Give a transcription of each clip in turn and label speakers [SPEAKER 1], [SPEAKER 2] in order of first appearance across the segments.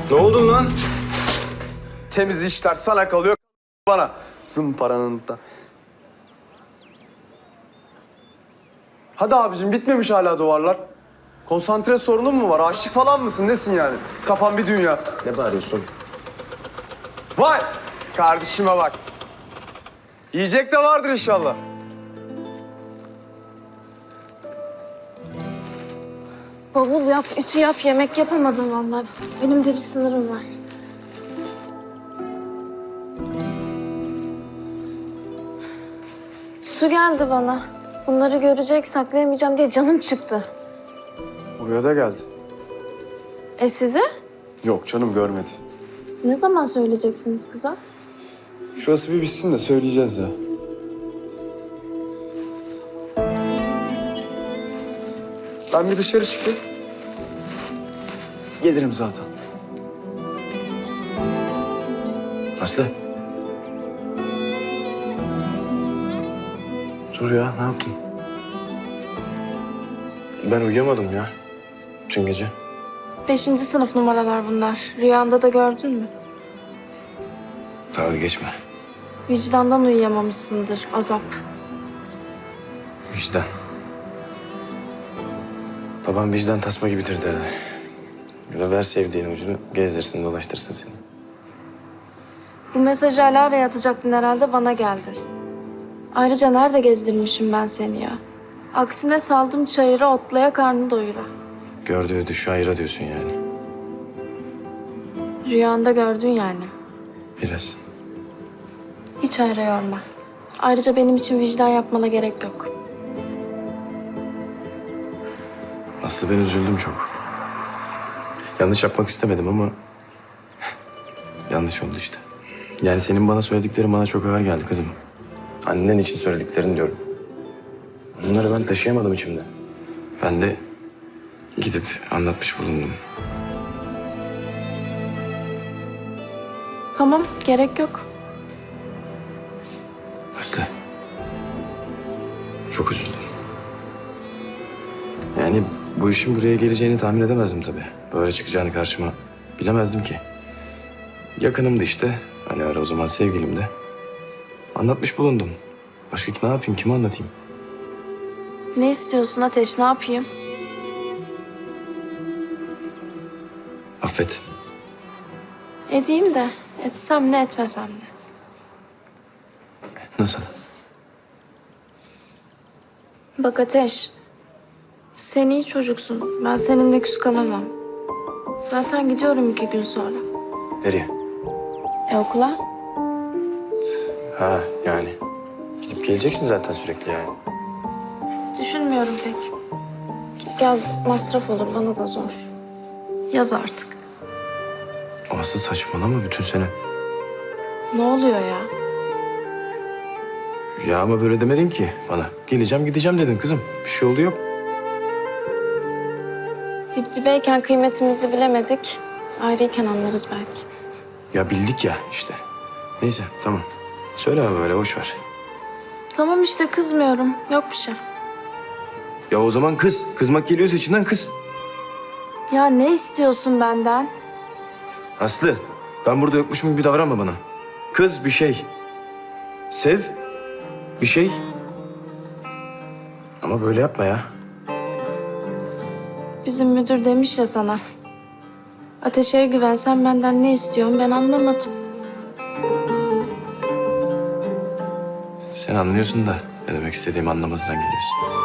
[SPEAKER 1] Ne oldu lan?
[SPEAKER 2] Temiz işler sana kalıyor, bana. Zımparanın da. Hadi abicim, bitmemiş hala duvarlar. Konsantre sorunun mu var? Aşık falan mısın? Nesin yani? Kafan bir dünya.
[SPEAKER 1] Ne bağırıyorsun?
[SPEAKER 2] Vay! Kardeşime bak. Yiyecek de vardır inşallah.
[SPEAKER 3] Bavul yap, ütü yap, yemek yapamadım vallahi. Benim de bir sınırım var. Su geldi bana. Bunları görecek, saklayamayacağım diye canım çıktı.
[SPEAKER 2] Buraya da geldi.
[SPEAKER 3] Size?
[SPEAKER 2] Yok canım, görmedi.
[SPEAKER 3] Ne zaman söyleyeceksiniz kıza?
[SPEAKER 2] Şurası bir bitsin de söyleyeceğiz ya. Ben bir dışarı çıkayım. Gelirim zaten.
[SPEAKER 1] Aslı. Dur ya, ne yaptın? Ben uyuyamadım ya tüm gece.
[SPEAKER 3] 5. sınıf numaralar bunlar. Rüyanda da gördün mü?
[SPEAKER 1] Dalga geçme.
[SPEAKER 3] Vicdandan uyuyamamışsındır, azap.
[SPEAKER 1] Vicdan. Babam vicdan tasma gibidir derdi. Ya da ver sevdiğin ucunu, gezdirsin, dolaştırsın seni.
[SPEAKER 3] Bu mesajı Alara'ya atacaktın herhalde, bana geldi. Ayrıca nerede gezdirmişim ben seni ya? Aksine saldım çayıra, otlaya, karnı doyura.
[SPEAKER 1] Gördüğü düşü ayıra diyorsun yani.
[SPEAKER 3] Rüyanda gördün yani.
[SPEAKER 1] Biraz.
[SPEAKER 3] Hiç hayra yorma. Ayrıca benim için vicdan yapmana gerek yok.
[SPEAKER 1] Aslı, ben üzüldüm çok. Yanlış yapmak istemedim ama... yanlış oldu işte. Yani senin bana söylediklerin bana çok ağır geldi kızım. Annen için söylediklerini diyorum. Onları ben taşıyamadım içimde. Ben de gidip anlatmış bulundum.
[SPEAKER 3] Tamam, gerek yok.
[SPEAKER 1] Aslı. Çok üzüldüm. Yani bu işin buraya geleceğini tahmin edemezdim tabii. Böyle çıkacağını karşıma bilemezdim ki. Yakınımdı işte. Hani ara o zaman sevgilim de. Anlatmış bulundum. Başka ne yapayım, kime anlatayım?
[SPEAKER 3] Ne istiyorsun Ateş, ne yapayım?
[SPEAKER 1] Affet.
[SPEAKER 3] Edeyim de, etsem ne etmesem ne.
[SPEAKER 1] Nasıl?
[SPEAKER 3] Bak Ateş, sen iyi çocuksun. Ben seninle küs kalamam. Zaten gidiyorum 2 gün sonra.
[SPEAKER 1] Nereye?
[SPEAKER 3] Okula?
[SPEAKER 1] Ha yani. Gidip geleceksin zaten sürekli yani.
[SPEAKER 3] Düşünmüyorum pek. Git gel masraf olur, bana da zor. Yaz artık.
[SPEAKER 1] Aslı saçmalama bütün sene.
[SPEAKER 3] Ne oluyor ya?
[SPEAKER 1] Ya ama böyle demedin ki bana. Geleceğim gideceğim dedin kızım. Bir şey oldu yok.
[SPEAKER 3] Dip dibeyken kıymetimizi bilemedik. Ayrıyken anlarız belki.
[SPEAKER 1] Ya bildik ya işte. Neyse tamam. Söyleme böyle, boş ver.
[SPEAKER 3] Tamam işte, kızmıyorum. Yok bir şey.
[SPEAKER 1] Ya o zaman kız. Kızmak geliyorsa içinden kız.
[SPEAKER 3] Ya ne istiyorsun benden?
[SPEAKER 1] Aslı, ben burada yokmuşum gibi davranma bana. Kız bir şey. Sev bir şey. Ama böyle yapma ya.
[SPEAKER 3] Bizim müdür demiş ya sana. Ateşe güvensen benden ne istiyorsun, ben anlamadım.
[SPEAKER 1] Sen anlıyorsun da ne demek istediğimi anlamazdan geliyorsun.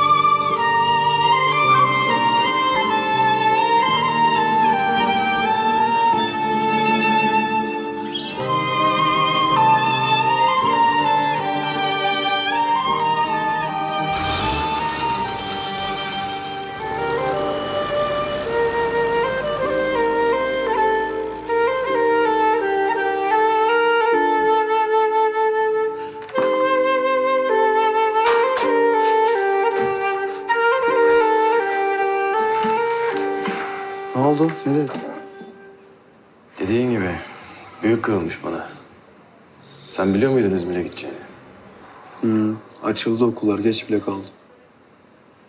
[SPEAKER 2] Ne oldu? Ne dedi?
[SPEAKER 1] Dediğin gibi büyük kırılmış bana. Sen biliyor muydun İzmir'e gideceğini?
[SPEAKER 2] Açıldı okullar, geç bile kaldı.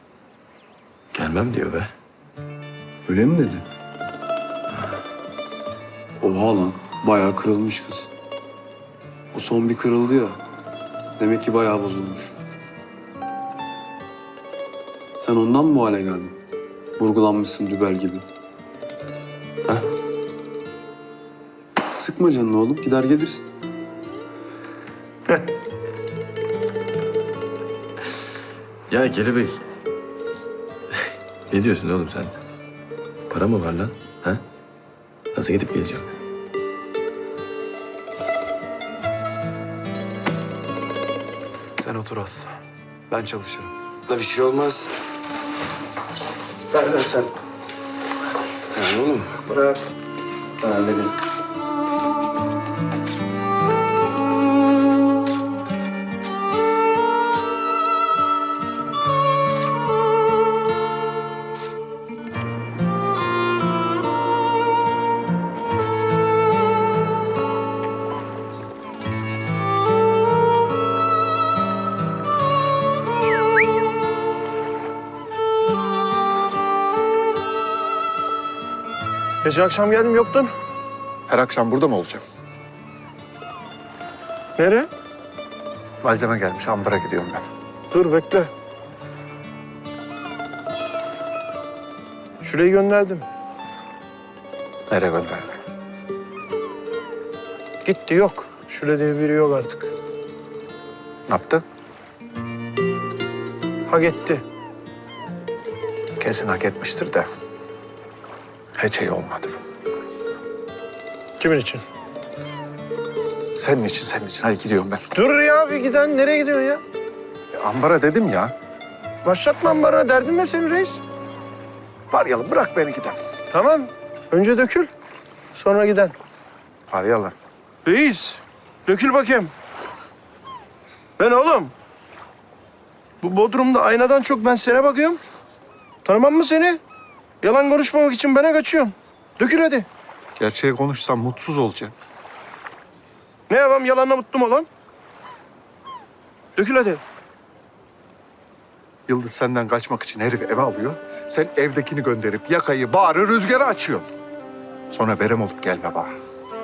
[SPEAKER 1] Gelmem diyor be.
[SPEAKER 2] Öyle mi dedi? Oha lan. Bayağı kırılmış kız. O son bir kırıldı ya. Demek ki bayağı bozulmuş. Sen ondan mı bu hale geldin? Vurgulanmışsın dübel gibi.
[SPEAKER 1] Ha?
[SPEAKER 2] Sıkma canını oğlum. Gider gelirsin.
[SPEAKER 1] Ya kelebek. Ne diyorsun oğlum sen? Para mı var lan? Ha? Nasıl gidip geleceğim?
[SPEAKER 2] Sen otur az. Ben çalışırım.
[SPEAKER 1] Da bir şey olmaz. Ver sen. Ya oğlum bırak. Ben hallederim.
[SPEAKER 4] Geçen akşam geldim yoktun.
[SPEAKER 5] Her akşam burada mı olacağım?
[SPEAKER 4] Nereye?
[SPEAKER 5] Malzeme gelmiş, ambara gidiyorum ben.
[SPEAKER 4] Dur bekle. Şurayı gönderdim.
[SPEAKER 5] Nereye gönderdin?
[SPEAKER 4] Gitti yok. Şule diye biri yok artık.
[SPEAKER 5] Ne yaptı?
[SPEAKER 4] Ha gitti.
[SPEAKER 5] Kesin hak etmiştir de. Hiç iyi olmadı.
[SPEAKER 4] Kimin için?
[SPEAKER 5] Senin için, senin için. Hadi gidiyorum ben.
[SPEAKER 4] Dur ya bir giden. Nereye gidiyorsun ya?
[SPEAKER 5] Ambara dedim ya.
[SPEAKER 4] Başlatma bana. Derdin ne senin reis?
[SPEAKER 5] Faryalı bırak beni giden.
[SPEAKER 4] Tamam. Önce dökül. Sonra giden.
[SPEAKER 5] Faryalı.
[SPEAKER 4] Reis. Dökül bakayım. Ben oğlum. Bu Bodrum'da aynadan çok ben sana bakıyorum. Tanımam mı seni? Yalan konuşmamak için bana kaçıyorsun. Dökül hadi.
[SPEAKER 5] Gerçeği konuşsam mutsuz olacağım.
[SPEAKER 4] Ne yapayım yalanla mutlu mu olan? Dökül hadi.
[SPEAKER 5] Yıldız senden kaçmak için herif eve alıyor. Sen evdekini gönderip yakayı, bağrı, rüzgarı açıyorsun. Sonra verem olup gelme bana.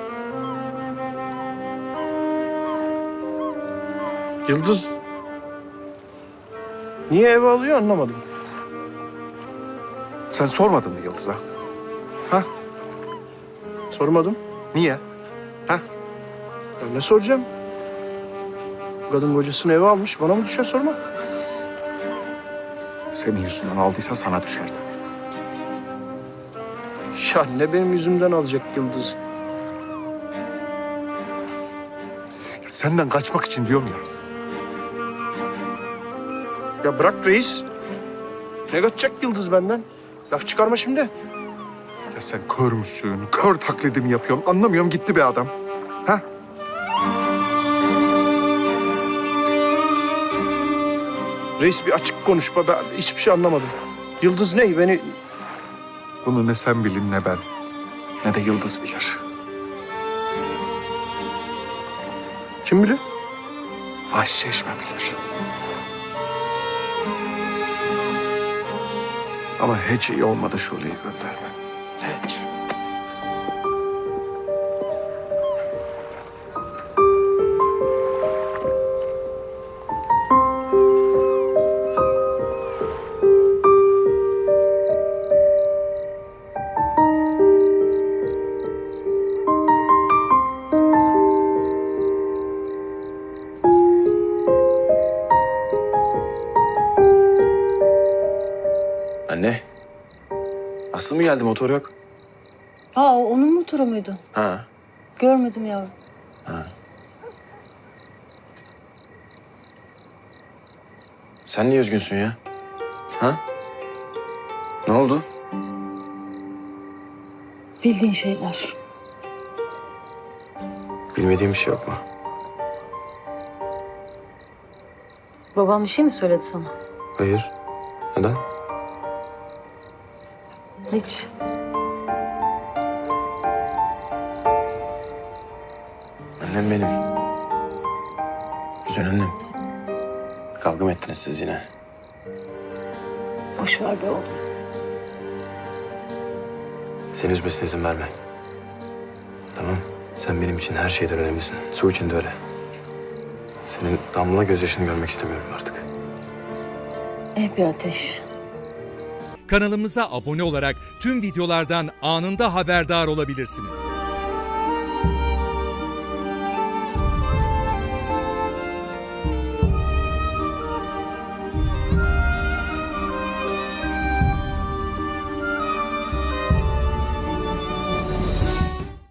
[SPEAKER 4] Yıldız. Niye eve alıyor anlamadım.
[SPEAKER 5] Sen sormadın mı Yıldız'a? Ha?
[SPEAKER 4] Sormadım.
[SPEAKER 5] Niye? Ha?
[SPEAKER 4] Ya ne soracağım? Kadın kocasını eve almış. Bana mı düşer sormak?
[SPEAKER 5] Senin yüzünden aldıysa sana düşerdi.
[SPEAKER 4] Ya ne benim yüzümden alacak Yıldız?
[SPEAKER 5] Senden kaçmak için diyorum ya.
[SPEAKER 4] Ya bırak reis. Ne kaçacak Yıldız benden? Laf çıkarma şimdi.
[SPEAKER 5] Ya sen kör müsün? Kör taklidimi yapıyorsun. Anlamıyorum gitti be adam. Ha?
[SPEAKER 4] Reis bir açık konuşma. Ben hiçbir şey anlamadım. Yıldız ne? Beni...
[SPEAKER 5] Bunu ne sen bilin ne ben. Ne de Yıldız bilir.
[SPEAKER 4] Kim bilir?
[SPEAKER 5] Başçeşme bilir. Ama hiç iyi olmadı Şule'yi gönderme. Hiç.
[SPEAKER 1] Anne. Aslı mı geldi? Motor yok.
[SPEAKER 6] Aa, onun motoru muydu?
[SPEAKER 1] Ha.
[SPEAKER 6] Görmedim yavrum.
[SPEAKER 1] Sen niye üzgünsün ya? Ha? Ne oldu?
[SPEAKER 6] Bildiğin şeyler.
[SPEAKER 1] Bilmediğim bir şey yok mu?
[SPEAKER 6] Babam bir şey mi söyledi sana?
[SPEAKER 1] Hayır. Neden?
[SPEAKER 6] Hiç.
[SPEAKER 1] Annem benim. Güzel annem. Kavga mı ettiniz siz yine?
[SPEAKER 6] Boş ver be oğlum.
[SPEAKER 1] Seni üzmesine izin verme. Sen benim için her şeyden önemlisin. Su için de öyle. Senin damla gözyaşını görmek istemiyorum artık.
[SPEAKER 6] Bir Ateş.
[SPEAKER 7] Kanalımıza abone olarak tüm videolardan anında haberdar olabilirsiniz.